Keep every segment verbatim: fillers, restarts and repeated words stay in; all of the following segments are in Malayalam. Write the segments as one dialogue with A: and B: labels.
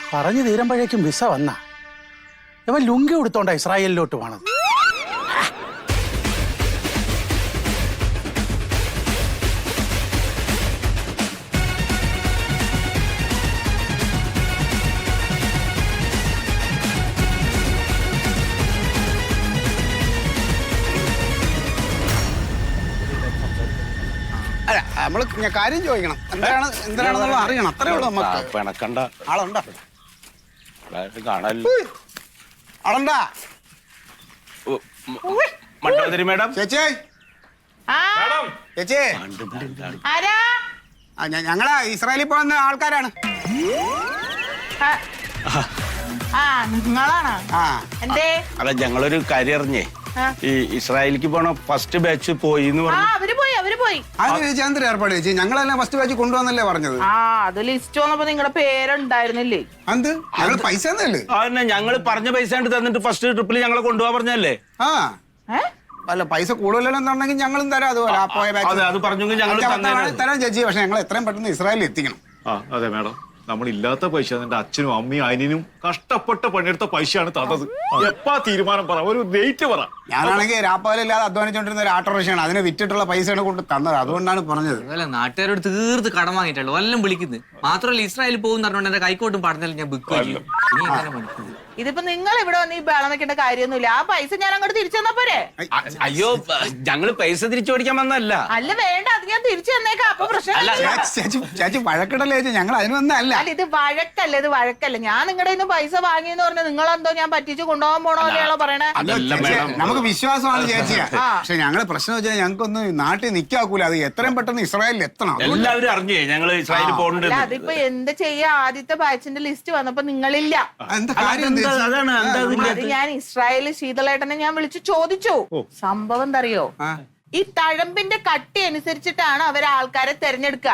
A: പറഞ്ഞു തീരുമ്പോഴേക്കും വിസ വന്ന ഇവൻ ലുങ്കി കൊടുത്തോണ്ടാ ഇസ്രായേലിലോട്ട് പോണത്.
B: അല്ല നമ്മള് കാര്യം ചോദിക്കണം, എന്താണ് എന്തിനാണെന്നുള്ള അറിയണം, അത്രേ ഉള്ളൂ നമുക്ക്.
C: പിണക്കണ്ട
B: ആളുണ്ടാ
C: കാണല്ലോ.
B: ആളുണ്ടാ
C: മണ്ടോദരി മേഡം.
B: ചേച്ചി ചേച്ചി ഞങ്ങളാ ഇസ്രായേലിൽ പോകുന്ന ആൾക്കാരാണ്.
C: അല്ല ഞങ്ങളൊരു കാര്യം അറിഞ്ഞേ, ഈ ഇസ്രായേലിക്ക് പോണ ഫസ്റ്റ് ബാച്ച് പോയി എന്ന് പറഞ്ഞു.
B: എന്തൊരു ഏർപ്പാട് ചേച്ചി? ഞങ്ങളെല്ലാം ഫസ്റ്റ് ബാച്ച് കൊണ്ടുവന്നല്ലേ പറഞ്ഞത്.
D: ആ അത് ലിസ്റ്റ് വന്നപ്പോ നിങ്ങളുടെ പേരുണ്ടായിരുന്നില്ലേ?
B: എന്ത് ഞങ്ങൾ പൈസ തന്നല്ലേ?
C: അതന്നെ, ഞങ്ങള് പറഞ്ഞ പൈസ തന്നിട്ട് ഫസ്റ്റ് ട്രിപ്പിൽ ഞങ്ങളെ കൊണ്ടുപോകാൻ പറഞ്ഞല്ലേ.
B: ആ അല്ല പൈസ കൂടുതലുണ്ടെന്നുണ്ടെങ്കിൽ ഞങ്ങളും തരാം. അതുപോലെ ആ പോയ ബാച്ച്
C: അത് പറഞ്ഞെങ്കിൽ ഞങ്ങൾ
B: തരാം ചേച്ചി. പക്ഷെ ഞങ്ങൾ എത്രയും പെട്ടെന്ന് ഇസ്രായേലിൽ എത്തിക്കണം.
E: അതെ മാഡം, നമ്മളില്ലാത്ത പൈസ എന്റെ അച്ഛനും അമ്മയും അനിയനും കഷ്ടപ്പെട്ട പണിയെടുത്ത പൈസയാണ് തന്നത്. എപ്പാ തീരുമാനം പറ, ഒരു ഡേറ്റ് പറ.
B: ഞാനാണെങ്കിൽ രാപ്പകലില്ലാതെ അധ്വാനിച്ചോണ്ടിരുന്ന ഒരു ഓട്ടോറിക്ഷയാണ്, അതിനെ വിറ്റിട്ടുള്ള പൈസയാണ് കൊണ്ട് തന്നത്. അതുകൊണ്ടാണ് പറഞ്ഞത്.
F: നാട്ടുകാരോട് തീർത്ത് കടം വാങ്ങിയിട്ടുള്ളൂ, വല്ലതും വിളിക്കുന്നത് മാത്രമല്ല. ഇസ്രായേലിൽ പോകുന്ന പറഞ്ഞോണ്ട് എന്റെ കൈക്കോട്ടും പറഞ്ഞാലും ഞാൻ ബുക്ക് ചെയ്യും.
D: ഇതിപ്പോ നിങ്ങൾ ഇവിടെ വന്ന് ഈ ബേളം വെക്കേണ്ട കാര്യമൊന്നുമില്ല. ആ പൈസ ഞാൻ അങ്ങോട്ട് തിരിച്ചു തന്നാ പോരെ?
C: അയ്യോ ഞങ്ങള് പൈസ തിരിച്ചു മേടിക്കാൻ വന്നല്ല.
D: അല്ല വേണ്ട, അത് ഞാൻ തിരിച്ചു തന്നേക്കാം. അപ്പൊ പ്രശ്നം
B: ചേച്ചി ചേച്ചി വഴക്കിടല്ലേ ചേച്ചി, ഞങ്ങൾ അതിനൊന്നല്ല.
D: അല്ല ഇത് വഴക്കല്ല, ഇത് വഴക്കല്ല. ഞാൻ നിങ്ങളുടെ കയ്യിൽ നിന്ന് പൈസ വാങ്ങിയെന്ന് പറഞ്ഞ് നിങ്ങളെന്തോ ഞാൻ പറ്റിച്ച് കൊണ്ടുപോകാൻ പോണോലെയാണോ പറയണേ?
B: നമുക്ക് വിശ്വാസമാണ് ചേച്ചിയാ. പക്ഷെ ഞങ്ങള് പ്രശ്നം വെച്ചാൽ ഞങ്ങൾക്കൊന്നും നാട്ടിൽ നിക്കാക്കൂല. അത് എത്രയും പെട്ടെന്ന് ഇസ്രായേലിൽ എത്തണം.
C: എല്ലാവരും അറിഞ്ഞേ ഞങ്ങള് ഇസ്രായേലിൽ പോകണ്ട.
D: അതിപ്പോ എന്ത് ചെയ്യാ, ആദ്യത്തെ ബാച്ചിന്റെ ലിസ്റ്റ് വന്നപ്പോ നിങ്ങളില്ല.
B: എന്താ കാര്യം?
D: അത് ഞാൻ ഇസ്രായേല് ശീതളേട്ടനെ ഞാൻ വിളിച്ചു ചോദിച്ചു. സംഭവം എന്തറിയോ, ഈ തഴമ്പിന്റെ കട്ടി അനുസരിച്ചിട്ടാണ് അവർ ആൾക്കാരെ തെരഞ്ഞെടുക്ക.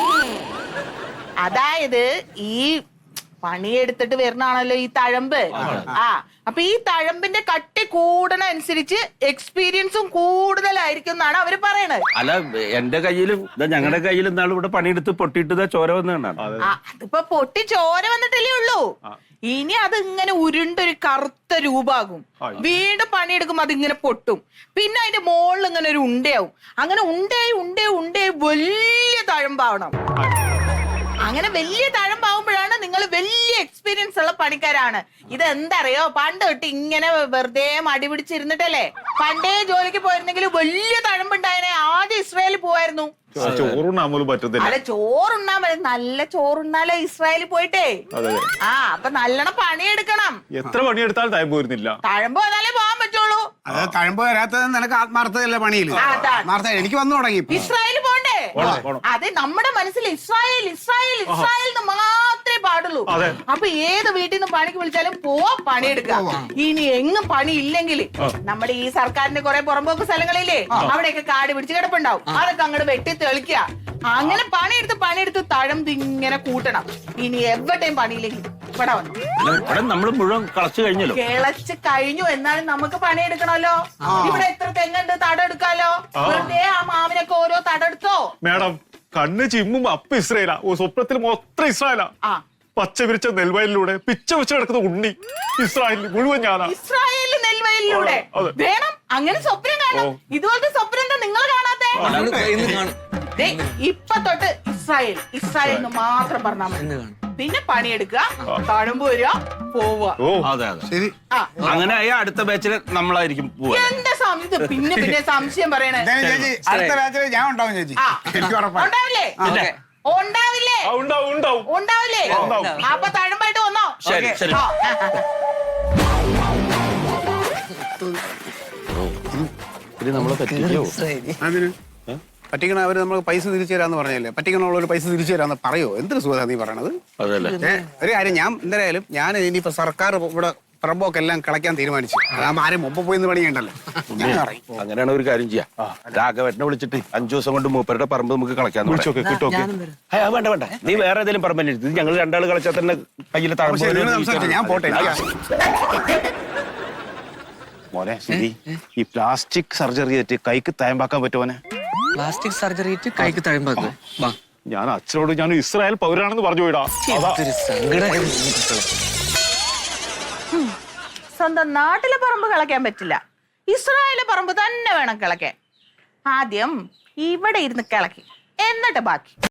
D: അതായത് ഈ പണിയെടുത്തിട്ട് വരുന്നാണല്ലോ ഈ തഴമ്പ്. ആ അപ്പൊ ഈ തഴമ്പിന്റെ കട്ടി കൂടണ അനുസരിച്ച് എക്സ്പീരിയൻസും കൂടുതലായിരിക്കും എന്നാണ് അവര് പറയണത്.
C: അല്ല എന്റെ കയ്യിലും ഞങ്ങളുടെ കയ്യിലും ഇന്നാൾ ഇവിടെ പണിയെടുത്ത് പൊട്ടിയിട്ട് ചോര വന്നതാണ്.
D: അതിപ്പോ പൊട്ടി ചോര വന്നിട്ടല്ലേ ഉള്ളൂ. ഇനി അത് ഇങ്ങനെ ഉരുണ്ടൊരു കറുത്ത രൂപാകും. വീണ്ടും പണിയെടുക്കുമ്പോ അതിങ്ങനെ പൊട്ടും. പിന്നെ അതിന്റെ മുകളിൽ ഇങ്ങനെ ഒരു ഉണ്ടയാവും. അങ്ങനെ ഉണ്ടയായി ഉണ്ടയായി ഉണ്ടയായി വലിയ തഴമ്പാവണം. അങ്ങനെ വലിയ തഴമ്പാവുമ്പോഴാണ് നിങ്ങൾ വലിയ എക്സ്പീരിയൻസ് ഉള്ള പണിക്കാരാണ്. ഇത് എന്തറിയോ, പണ്ട് തൊട്ട് ഇങ്ങനെ വെറുതെ മടി പിടിച്ചിരുന്നിട്ടല്ലേ പണ്ടേ ജോലിക്ക് പോയിരുന്നെങ്കിൽ വലിയ തഴമ്പുണ്ടായനെ ആദ്യം ഇസ്രായേലിൽ പോവായിരുന്നു.
E: ചോറുണ്ണാൻ പോലും പറ്റത്തില്ല.
D: അല്ല ചോറുണ്ണാ മതി, നല്ല ചോറുണ്ണാലോ ഇസ്രായേലിൽ പോയിട്ടേ. ആ അപ്പൊ നല്ലോണം പണിയെടുക്കണം.
E: എത്ര പണിയെടുത്താലും തഴമ്പ് വരുന്നില്ല.
D: തഴമ്പ് വന്നാലേ പോകാൻ പറ്റുള്ളൂ.
B: അത് തഴമ്പ് വരാത്തത് നിനക്ക് ആത്മാർത്ഥതല്ലേ പണിയില്ല. ആത്മാർത്ഥത എനിക്ക് വന്നു തുടങ്ങി.
D: ഇസ്രായേലിൽ പോണ്ടേ? അതെ, നമ്മുടെ മനസ്സിൽ ഇസ്രായേൽ ഇസ്രായേൽ ഇസ്രായേൽ മാത്രമേ പാടുള്ളൂ. അപ്പൊ ഏത് വീട്ടിൽ നിന്ന് പണിക്ക് വിളിച്ചാലും പോവാ, പണിയെടുക്കാം. ഇനി എങ്ങും പണി ഇല്ലെങ്കിൽ നമ്മുടെ ഈ സർക്കാരിന്റെ കുറെ പുറമ്പോക്ക് സ്ഥലങ്ങളില്ലേ, അവിടെയൊക്കെ കാട് പിടിച്ച് കിടപ്പുണ്ടാവും. അതൊക്കെ അങ്ങോട്ട് വെട്ടി തെളിക്കുക. അങ്ങനെ പണിയെടുത്ത് പണിയെടുത്ത് തഴമ്പ് ഇങ്ങനെ കൂട്ടണം. ഇനി എവിടെയും പണിയില്ലെങ്കിൽ ഇവിടെ വന്നു
C: നമ്മള് മുഴുവൻ കളച്ചു കഴിഞ്ഞല്ലോ.
D: കിളച്ച് കഴിഞ്ഞു എന്നാലും നമുക്ക് പണിയെടുക്കണമല്ലോ. ഇവിടെ എത്ര തെങ്ങുണ്ട്, തടെടുക്കാലോ. വെറുതെ ആ മാവിനൊക്കെ ഓരോ തടെടുത്തോ.
E: മേഡം കണ്ണ് ചിമ്മും അപ്പ ഇസ്രായേലാ, സ്വപ്നത്തിൽ മൊത്തം ഇസ്രായേലാ. പച്ച വിരിച്ച നെൽവയലിലൂടെ പിച്ച വെച്ച് കിടക്കുന്ന ഉണ്ണി ഇസ്രായേലിൽ മുഴുവൻ ഞാനാ.
D: ഇസ്രായേലിൽ നെൽവയലിലൂടെ വേണം അങ്ങനെ സ്വപ്നം കാണണം. ഇതുപോലത്തെ സ്വപ്നം എന്താ നിങ്ങൾ കാണാത്തെ? ഇപ്പൊ തൊട്ട് ഇസ്രായേൽ ഇസ്രായേൽ എന്ന് മാത്രം പറഞ്ഞാൽ മതി. പിന്നെ പണിയെടുക്കുക, തഴമ്പ് വരിക, പോവുക.
C: ശരി, അങ്ങനെ അടുത്ത ബാച്ചില് നമ്മളായിരിക്കും പോവാ.
D: എന്റെ സംശയം പിന്നെ പിന്നെ സംശയം പറയണേ.
B: അടുത്ത ബാച്ചിൽ ഞാൻ ഉണ്ടാവും ചേച്ചി.
D: ഉണ്ടാവില്ലേ? ഉണ്ടാവില്ലേ? ഉണ്ടാവില്ലേ? അപ്പൊ തഴമ്പായിട്ട് വന്നോ?
C: ശരി ശരി. ഇത് നമ്മളെ പറ്റിയോ?
B: അതിന് പറ്റിക്കണ അവര് നമ്മൾ പൈസ തിരിച്ചു തരാന്ന് പറഞ്ഞല്ലേ. പറ്റിക്കണുള്ളവർ പൈസ തിരിച്ചു തരാന്ന് പറയോ? എന്തൊരു സുഖ നീ പറയണത്. ഒരു കാര്യം, ഞാൻ എന്തായാലും ഞാൻ ഇനിയിപ്പോ സർക്കാർ ഇവിടെ പറമ്പൊക്കെല്ലാം കളയ്ക്കാൻ തീരുമാനിച്ചു. അതാകുമ്പോ ആരും മുമ്പ് പോയി പണിയുണ്ടല്ലോ.
C: അങ്ങനെയാണ് ഒരു കാര്യം ചെയ്യാം. രാഘവനെ വിളിച്ചിട്ട് അഞ്ചു ദിവസം കൊണ്ട് മൂപ്പരുടെ പറമ്പ് നമുക്ക് കളയ്ക്കാൻ വേണ്ട വേണ്ട. നീ വേറെ ഏതെങ്കിലും പറമ്പ് ഇത് ഞങ്ങൾ രണ്ടാൾ കളിച്ചാൽ തന്നെ കയ്യിൽ താഴെ.
B: ഞാൻ പോട്ടെ.
C: മോനെ ശരി, ഈ പ്ലാസ്റ്റിക് സർജറി ആയിട്ട് കൈക്ക് തയമ്പാക്കാൻ പറ്റുമോനെ?
F: പ്ലാസ്റ്റിക് സർജറി കൈക്ക് തഴമ്പാക്കും.
E: ഞാൻ അച്ഛനോട് ഞാൻ ഇസ്രായേൽ പൗരാണെന്ന് പറഞ്ഞു പോയിടാ. അതാ
F: ഒരു സങ്കടം.
D: സ്വന്തം നാട്ടിലെ പറമ്പ് കിളയ്ക്കാൻ പറ്റില്ല, ഇസ്രായേലിലെ പറമ്പ് തന്നെ വേണം കിളയ്ക്കാൻ. ആദ്യം ഇവിടെ ഇരുന്ന് കിളക്കി, എന്നിട്ട് ബാക്കി.